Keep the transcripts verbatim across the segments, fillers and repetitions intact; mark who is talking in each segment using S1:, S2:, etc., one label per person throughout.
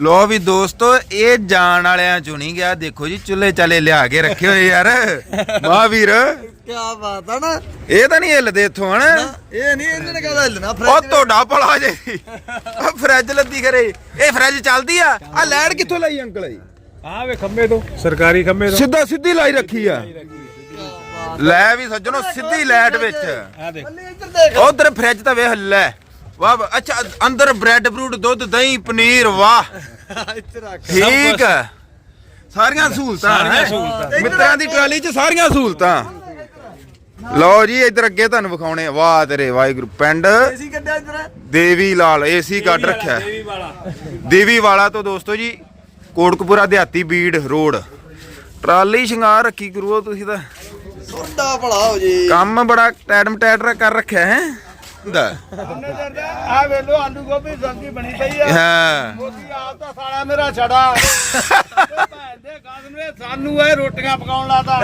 S1: लो भी दोस्तों ये जान वालियां चों नहीं गया। देखो जी चुल्हे चाले लिया के रखे हुए यार महावीर
S2: क्या बात है ना।
S1: ये तो नहीं हिलदे इथों हन
S2: ये नहीं इन्होंने कहदा हिलना
S1: ओ तोड़ा भला जे आ फ्रिज लद्दी करे ये फ्रिज चलदी आ आ लाइट कित्थों लाई अंकल जी
S3: हां वे खंबे तो सरकारी खंबे तो
S1: सीधा सीधी लाई रखी आ ਲੈ ਵੀ ਸੱਜਣੋ ਸਿੱਧੀ ਲਾਈਟ ਵਿੱਚ
S3: आ देख
S2: ਇੱਧਰ ਦੇਖ
S1: ਉਧਰ ਫ੍ਰਿਜ ਤਾਂ ਵੇਖ ਲੈ ਵਾਹ ਵਾਹ, ਅੱਛਾ ਅੰਦਰ ਬ੍ਰੈਡ ਬਰੂਡ ਦੁੱਧ ਦਹੀਂ ਪਨੀਰ ਵਾਹ
S2: ਇੱਥੇ ਰੱਖ
S1: ਠੀਕ ਹੈ ਸਾਰੀਆਂ ਸਹੂਲਤਾਂ
S3: ਸਾਰੀਆਂ
S1: ਹੈਂ।
S3: ਸਹੂਲਤਾਂ।
S1: ਮਿੱਤਰਾਂ ਦੀ ਟਰਾਲੀ 'ਚ ਸਾਰੀਆਂ ਸਹੂਲਤਾਂ। ਲਓ ਜੀ ਇੱਧਰ ਅੱਗੇ ਤੁਹਾਨੂੰ ਵਿਖਾਉਣੇ ਵਾਹ ਤੇਰੇ ਵਾਹਿਗੁਰੂ ਪਿੰਡ
S2: ਏਸੀ ਕੱਢਿਆ ਇੱਧਰ
S1: ਦੇਵੀ ਲਾਲ ਏਸੀ ਕੱਢ ਰੱਖਿਆ
S3: देवी वाला
S1: ਦੇਵੀ ਵਾਲਾ ਤੋਂ ਦੋਸਤੋ ਜੀ ਕੋਟਕਪੂਰਾ ਦਿਹਾਤੀ ਬੀੜ ਰੋਡ ਟਰਾਲੀ ਸ਼ਿੰਗਾਰ ਰੱਖੀ ਗੁਰੂਓ ਤੁਸੀਂ ਤਾਂ
S2: ਸੋਡਾ ਭਲਾ ਹੋ ਜੀ
S1: ਕੰਮ ਬੜਾ ਟੈਡਮ ਟੈਡਰ ਕਰ ਰੱਖਿਆ ਹੈ ਹੁੰਦਾ
S3: ਆ ਵੇਲੋ ਆਲੂ ਗੋਭੀ ਸਬਜ਼ੀ ਬਣੀ ਪਈ ਆ
S1: ਹਾਂ
S3: ਮੋਦੀ ਆਪ ਤਾਂ ਸਾਲਾ ਮੇਰਾ ਛੜਾ ਭੈਣ ਦੇ ਗਾਦਨ ਵੇ ਸਾਨੂੰ ਇਹ ਰੋਟੀਆਂ ਪਕਾਉਣ ਲਾਤਾ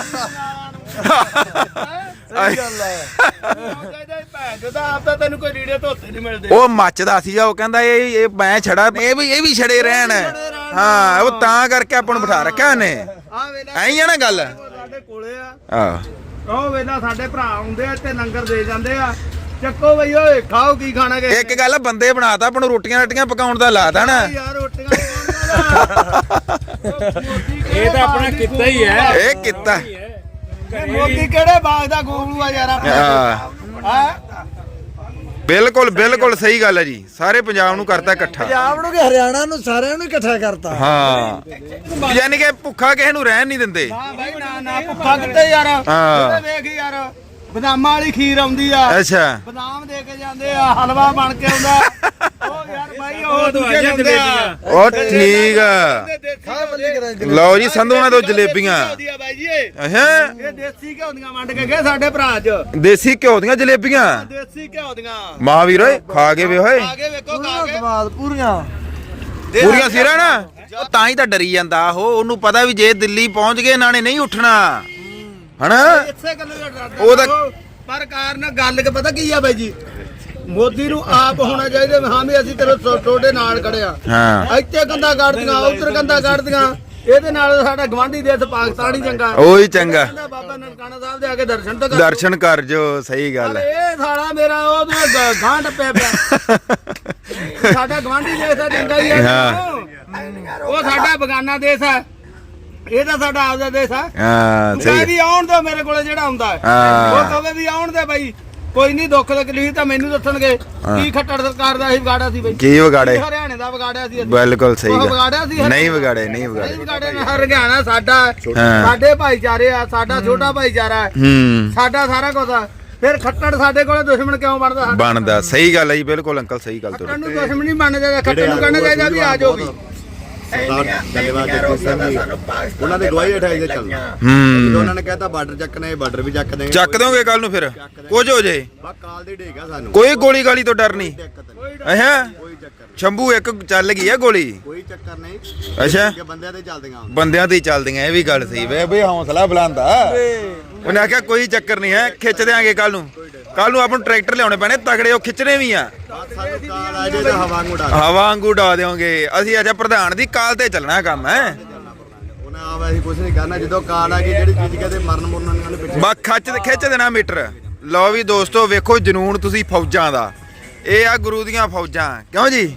S2: ਸਹੀ ਗੱਲ ਹੈ
S3: ਭੈਣ ਜਦਾ ਆਪ ਤਾਂ ਤੈਨੂੰ ਕੋਈ ਲੀੜੇ ਧੋਤੇ ਨਹੀਂ ਮਿਲਦੇ
S1: ਉਹ ਮੱਚਦਾ ਸੀਗਾ ਉਹ ਕਹਿੰਦਾ ਇਹ ਇਹ ਮੈਂ ਛੜਾ ਇਹ ਵੀ ਇਹ ਵੀ ਛੜੇ ਰਹਿਣ ਹਾਂ ਉਹ ਤਾਂ ਕਰਕੇ ਆਪਾਂ ਨੂੰ ਬਿਠਾ ਰੱਖਿਆ ਉਹਨੇ
S3: ਆ ਵੇਲਾ
S1: ਐਂ ਹੀ ਆ ਨਾ ਗੱਲ
S3: ਸਾਡੇ ਕੋਲੇ ਆ
S1: ਆਹ
S3: ਉਹ ਵੇਲਾ ਸਾਡੇ ਭਰਾ ਆਉਂਦੇ ਆ ਤੇ ਲੰਗਰ ਦੇ ਜਾਂਦੇ ਆ ਚੱਕੋ ਬਈ ਓਏ ਖਾਓ ਕੀ ਖਾਣਾ ਕਿ
S1: ਇੱਕ ਗੱਲ ਬੰਦੇ ਬਣਾਤਾ ਆਪਾਂ ਨੂੰ ਰੋਟੀਆਂ ਰੱਟੀਆਂ ਪਕਾਉਣ ਦਾ ਲਾਤਾ ਨਾ
S3: ਯਾਰ ਰੋਟੀਆਂ ਇਹ ਤਾਂ ਆਪਣਾ ਕਿੱਤਾ ਹੀ ਹੈ
S1: ਇਹ ਕੀਤਾ
S3: ਮੋਦੀ ਕਿਹੜੇ ਬਾਗ ਦਾ ਗੋਗਲੂ ਆ ਯਾਰ ਆਪਣਾ
S1: ਹਾਂ
S3: ਹਾਂ
S1: ਬਿਲਕੁਲ ਬਿਲਕੁਲ ਸਹੀ ਗੱਲ ਹੈ ਜੀ ਸਾਰੇ ਪੰਜਾਬ ਨੂੰ ਕਰਤਾ ਇਕੱਠਾ
S2: ਪੰਜਾਬ ਨੂੰ ਕਿ ਹਰਿਆਣਾ ਨੂੰ ਸਾਰਿਆਂ ਨੂੰ ਇਕੱਠਾ ਕਰਤਾ
S1: ਹਾਂ ਯਾਨੀ ਕਿ ਭੁੱਖਾ ਕਿਸੇ ਨੂੰ ਰਹਿਣ ਨਹੀਂ ਦਿੰਦੇ
S3: ਹਾਂ ਬਾਈ ਨਾ ਨਾ ਭੁੱਖਾ ਕਿੱਥੇ ਯਾਰ
S1: ਹਾਂ।
S3: ਇਹ ਵੇਖ ਯਾਰ ਬਦਾਮਾਂ ਵਾਲੀ ਖੀਰ ਆਉਂਦੀ ਆ
S1: ਅੱਛਾ
S3: ਬਦਾਮ ਦੇ ਕੇ ਜਾਂਦੇ ਆ ਹਲਵਾ ਬਣ ਕੇ ਆਉਂਦਾ ਉਹ ਯਾਰ ਬਾਈ ਉਹ ਦੂਜੇ ਜਾਂਦੇ ਆ
S1: ਉਹ ਠੀਕ ਆ
S2: ਖਾ ਬੱਲੀ ਕਰਾਂ
S1: ਲਓ ਜੀ ਸੰਧੂਆਂ ਤੋਂ ਜਲੇਬੀਆਂ
S3: ਵਧੀਆ ਬਾਈ ਜੀ ਇਹ
S1: ਅਹਾਂ
S3: ਦੇਸੀ ਘਿਓ ਦੀਆਂ ਵੰਡ ਕੇ ਗਏ ਸਾਡੇ ਭਰਾ ਅੱਜ
S1: ਦੇਸੀ ਘਿਓ ਦੀਆਂ ਜਲੇਬੀਆਂ
S3: ਦੇਸੀ ਘਿਓ ਦੀਆਂ
S1: ਮਹਾਵੀਰ ਓਏ ਖਾ ਕੇ ਵੇ ਓਏ
S3: ਆ ਕੇ ਵੇਖੋ ਖਾ
S2: ਪੂਰਾ
S3: ਕੇ
S2: ਸਵਾਦ ਪੂਰੀਆਂ
S1: ਪੂਰੀਆਂ ਸਿਰਾਂ ਨਾ ਉਹ ਤਾਂ ਹੀ ਤਾਂ ਡਰੀ ਜਾਂਦਾ ਉਹ ਉਹਨੂੰ ਪਤਾ ਵੀ ਜੇ ਦਿੱਲੀ ਪਹੁੰਚ ਗਏ ਇਹਨਾਂ ਨੇ ਨਹੀਂ ਉੱਠਣਾ ਹਨਾ
S3: ਇਸੇ ਗੱਲ ਦਾ ਡਰਦਾ
S1: ਉਹ ਤਾਂ-
S3: ਉਹ। ਪਰ ਕਾਰਨ ਗੱਲ ਕਿ ਪਤਾ ਕੀ ਆ ਬਾਈ ਜੀ ਮੋਦੀ ਨੂੰ ਆਪ ਹੋਣਾ ਚਾਹੀਦਾ ਵੀ ਹਾਂ ਵੀ ਅਸੀਂ ਤੇਰੇ ਤੁਹਾਡੇ ਨਾਲ ਖੜੇ ਆ
S1: ਹਾਂ
S3: ਇੱਥੇ ਗੰਦਾ ਕੱਢਦੀਆਂ ਉੱਧਰ ਗੰਦਾ ਕੱਢਦੀਆਂ ਇਹਦੇ ਨਾਲ ਸਾਡਾ ਗਵਾਂਢੀ ਦੇਸ਼ ਪਾਕਿਸਤਾਨ ਹੀ ਚੰਗਾ
S1: ਉਹੀ ਚੰਗਾ
S3: ਕਹਿੰਦਾ ਬਾਬਾ ਨਨਕਾਣਾ ਸਾਹਿਬ ਦੇ ਆ ਕੇ ਦਰਸ਼ਨ ਤਾਂ ਕਰ
S1: ਦਰਸ਼ਨ ਕਰ ਜੋ ਸਹੀ ਗੱਲ ਹੈ
S3: ਇਹ ਸਾਲਾ ਮੇਰਾ ਉਹਦੇ ਗਾਂਢ ਪਿਆ ਪਿਆ ਸਾਡਾ ਗਵਾਂਢੀ ਦੇਸ਼ ਦਾ ਚੰਗਾ ਹੀ
S1: ਹਾਂ।
S3: ਹੈ ਉਹ ਸਾਡਾ ਬਗਾਨਾ ਦੇਸ਼ ਹੈ ਇਹ ਤਾਂ ਸਾਡਾ ਆਪਦਾ ਦੇਸ਼ ਹੈ
S1: ਹਾਂ
S3: ਕਹੇ
S1: ਸਹੀ
S3: ਵੀ ਆਉਣ ਦੋ ਮੇਰੇ ਕੋਲੇ ਜਿਹੜਾ ਆਉਂਦਾ ਹੈ
S1: ਹਾਂ।
S3: ਉਹ ਕਹੇ ਵੀ ਆਉਣ ਦੇ ਬਾਈ ਕੋਈ ਨਹੀਂ ਦੁੱਖ ਤਕਲੀਫ ਤਾਂ ਮੈਨੂੰ ਦੱਸਣਗੇ ਕੀ ਖੱਟੜ ਸਰਕਾਰ ਦਾ ਹੀ ਵਿਗਾੜਿਆ ਸੀ ਬਾਈ
S1: ਕੀ ਵਿਗਾੜੇ
S3: ਹਰਿਆਣੇ ਦਾ ਵਿਗਾੜਿਆ ਸੀ ਅਸੀਂ।
S1: ਬਿਲਕੁਲ ਸਹੀ
S3: ਉਹ
S1: ਗੱਲ
S3: ਵਿਗਾੜਿਆ ਸੀ
S1: ਨਹੀਂ ਵਿਗਾੜੇ ਨਹੀਂ
S3: ਨਹੀਂ
S1: ਵਿਗਾੜੇ
S3: ਵਿਗਾੜੇ ਨਾ ਹਰਿਆਣਾ ਸਾਡਾ ਹੈ।
S1: ਹਾਂ।
S3: ਸਾਡੇ ਭਾਈਚਾਰੇ ਆ ਸਾਡਾ ਛੋਟਾ ਭਾਈਚਾਰਾ ਹੈ
S1: ਹੂੰ
S3: ਸਾਡਾ ਸਾਰਾ ਕੁਝ ਆ ਫਿਰ ਖੱਟੜ ਸਾਡੇ ਕੋਲੇ ਦੁਸ਼ਮਣ ਕਿਉਂ ਬਣਦਾ ਸਾਡਾ
S1: ਬਣਦਾ ਸਹੀ ਗੱਲ ਹੈ ਜੀ ਬਿਲਕੁਲ ਅੰਕਲ ਸਹੀ ਗੱਲ
S3: ਖੱਟੜ
S1: ਤੁਹਾਡੀ
S3: ਨੂੰ ਦੁਸ਼ਮਣ ਨਹੀਂ ਮੰਨਦੇ ਚਾਹੀਦਾ ਖੱਟੜ ਨੂੰ ਕਹਿਣਾ ਚਾਹੀਦਾ ਵੀ ਆ ਜਾਓ ਵੀ
S4: ਧੰਨਵਾਦ ਜਗਦੀਪ ਸਿੰਘ ਜੀ ਉਹਨਾਂ ਦੇ ਗਵਾਹੀ ਹਟਾਈ ਦੇ ਚੱਲਣਾ
S1: ਹੂੰ
S4: ਜਦੋਂ ਉਹਨਾਂ ਨੇ ਕਹਿਤਾ ਬਾਰਡਰ ਚੱਕਣਾ ਇਹ ਬਾਰਡਰ ਵੀ ਚੱਕ ਦੇਣਗੇ
S1: ਚੱਕ ਦੋਗੇ ਕੱਲ ਨੂੰ ਫਿਰ ਕੁਝ ਹੋ ਜੇ
S4: ਬਾ ਕਾਲ ਦੀ ਢੇਗਾ ਸਾਨੂੰ
S1: ਕੋਈ ਗੋਲੀ ਗਾਲੀ ਤੋਂ ਡਰ ਨਹੀਂ
S4: ਦਿੱਕਤ ਨਹੀਂ
S1: ਅਹਾਂ
S4: ਕੋਈ ਚੱਕਰ ਨਹੀਂ
S1: ਸ਼ੰਭੂ ਇੱਕ ਚੱਲ ਗਈ ਆ ਗੋਲੀ
S4: ਕੋਈ ਚੱਕਰ ਨਹੀਂ
S1: ਅੱਛਾ
S4: ਕਿ ਬੰਦਿਆਂ ਤੇ ਚੱਲਦੀਆਂ ਹੁਣ
S1: ਬੰਦਿਆਂ ਤੇ ਹੀ ਚੱਲਦੀਆਂ ਇਹ ਵੀ ਗੱਲ ਸਹੀ ਵੇ ਬਈ ਹੌਸਲਾ ਬੁਲੰਦਾ ਉਹਨੇ ਆਖਿਆ ਕੋਈ ਚੱਕਰ ਨਹੀਂ ਹੈ ਖਿੱਚ ਦਿਆਂਗੇ ਕੱਲ ਨੂੰ ਕੱਲ ਨੂੰ ਆਪਾਂ ਨੂੰ ਟਰੈਕਟਰ ਲਿਆਉਣੇ ਪੈਣੇ ਤਗੜੇ ਉਹ ਖਿੱਚਣੇ ਵੀ ਆ
S4: ਬਸ ਸਾਨੂੰ ਕਾਲ ਆ ਜੇ ਤਾਂ ਹਵਾ ਨੂੰ ਉਡਾ
S1: ਹਵਾ ਵਾਂਗੂ ਡਾ ਦਿਓਗੇ ਅਸੀਂ ਅੱਜ ਪ੍ਰਧਾਨ ਦੀ ਕਾਲ ਤੇ ਚੱਲਣਾ ਕੰਮ ਹੈ
S4: ਉਹਨਾਂ ਆ ਵੈਸੇ ਕੁਝ ਨਹੀਂ ਕਰਨਾ ਜਦੋਂ ਕਾਲ ਆ ਗਈ ਜਿਹੜੀ ਚੀਜ਼ ਕਹਿੰਦੇ ਮਰਨ ਮੁਰਨ ਉਹਨਾਂ ਨੂੰ ਪਿੱਛੇ
S1: ਬਾ ਖੱਚ ਖਿੱਚ ਦੇਣਾ ਮੀਟਰ ਲਓ ਵੀ ਦੋਸਤੋ ਵੇਖੋ ਜਨੂਨ ਤੁਸੀਂ ਫੌਜਾਂ ਦਾ ਇਹ ਆ ਗੁਰੂ ਦੀਆਂ ਫੌਜਾਂ ਕਿਉਂ ਜੀ